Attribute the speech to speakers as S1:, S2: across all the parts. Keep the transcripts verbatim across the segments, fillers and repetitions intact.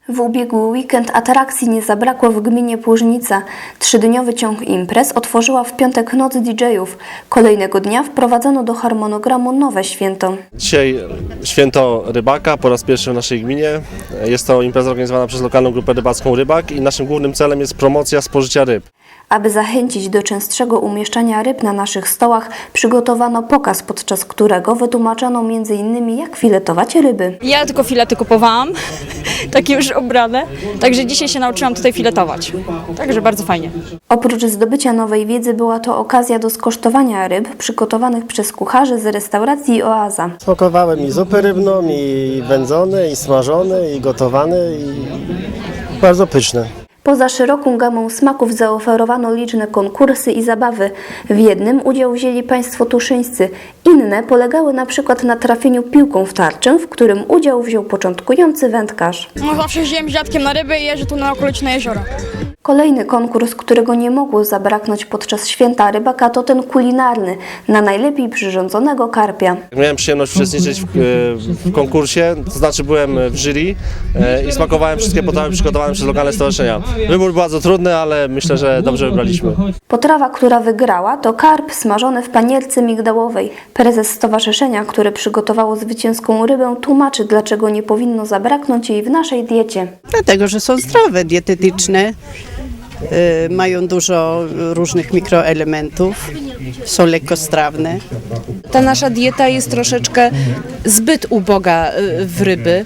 S1: W ubiegły weekend atrakcji nie zabrakło w gminie Płużnica. Trzydniowy ciąg imprez otworzyła w piątek Noc D J-ów. Kolejnego dnia wprowadzono do harmonogramu nowe święto.
S2: Dzisiaj święto rybaka po raz pierwszy w naszej gminie. Jest to impreza organizowana przez lokalną grupę rybacką Rybak i naszym głównym celem jest promocja spożycia ryb.
S1: Aby zachęcić do częstszego umieszczania ryb na naszych stołach, przygotowano pokaz, podczas którego wytłumaczono między innymi jak filetować ryby.
S3: Ja tylko filety kupowałam, takie już obrane, także dzisiaj się nauczyłam tutaj filetować, także bardzo fajnie.
S1: Oprócz zdobycia nowej wiedzy była to okazja do skosztowania ryb przygotowanych przez kucharzy z restauracji Oaza.
S4: Smakowałem i zupy rybną, i wędzone, i smażone, i gotowane, i bardzo pyszne.
S1: Poza szeroką gamą smaków zaoferowano liczne konkursy i zabawy. W jednym udział wzięli państwo tuszyńscy, inne polegały na przykład na trafieniu piłką w tarczę, w którym udział wziął początkujący wędkarz.
S3: No zawsze jeździłem z dziadkiem na ryby i jeżdżę tu na okoliczne jeziora.
S1: Kolejny konkurs, którego nie mogło zabraknąć podczas święta rybaka, to ten kulinarny, na najlepiej przyrządzonego karpia.
S2: Miałem przyjemność uczestniczyć w, w konkursie, to znaczy byłem w jury i smakowałem wszystkie potrawy przygotowane przez lokalne stowarzyszenia. Wybór był bardzo trudny, ale myślę, że dobrze wybraliśmy.
S1: Potrawa, która wygrała, to karp smażony w panierce migdałowej. Prezes stowarzyszenia, które przygotowało zwycięską rybę, tłumaczy, dlaczego nie powinno zabraknąć jej w naszej diecie.
S5: Dlatego, że są zdrowe, dietetyczne, y, mają dużo różnych mikroelementów, są lekkostrawne.
S6: Ta nasza dieta jest troszeczkę zbyt uboga w ryby.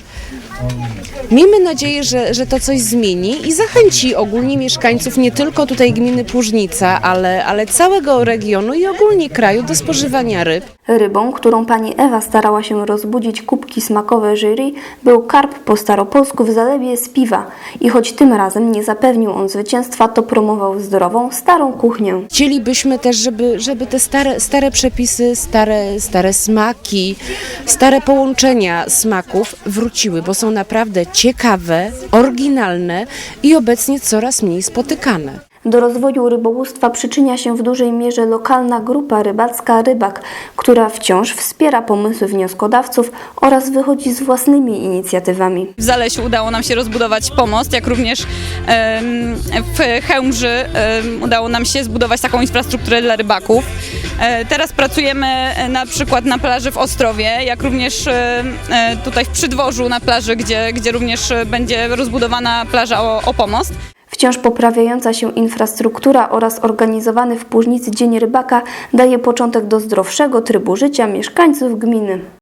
S6: Miejmy nadzieję, że, że to coś zmieni i zachęci ogólnie mieszkańców nie tylko tutaj gminy Płużnica, ale, ale całego regionu i ogólnie kraju do spożywania ryb.
S1: Rybą, którą pani Ewa starała się rozbudzić kubki smakowe jury, był karp po staropolsku w zalewie z piwa. I choć tym razem nie zapewnił on zwycięstwa, to promował zdrową, starą kuchnię.
S6: Chcielibyśmy też, żeby, żeby te stare, stare przepisy, stare, stare smaki, stare połączenia smaków wróciły, bo są naprawdę ciekawe, oryginalne i obecnie coraz mniej spotykane.
S1: Do rozwoju rybołówstwa przyczynia się w dużej mierze lokalna grupa rybacka Rybak, która wciąż wspiera pomysły wnioskodawców oraz wychodzi z własnymi inicjatywami.
S7: W Zalesiu udało nam się rozbudować pomost, jak również em, w Chełmży em, udało nam się zbudować taką infrastrukturę dla rybaków. E, teraz pracujemy na przykład na plaży w Ostrowie, jak również e, tutaj w Przydworzu na plaży, gdzie, gdzie również będzie rozbudowana plaża o, o pomost.
S1: Wciąż poprawiająca się infrastruktura oraz organizowany w Płużnicy Dzień Rybaka daje początek do zdrowszego trybu życia mieszkańców gminy.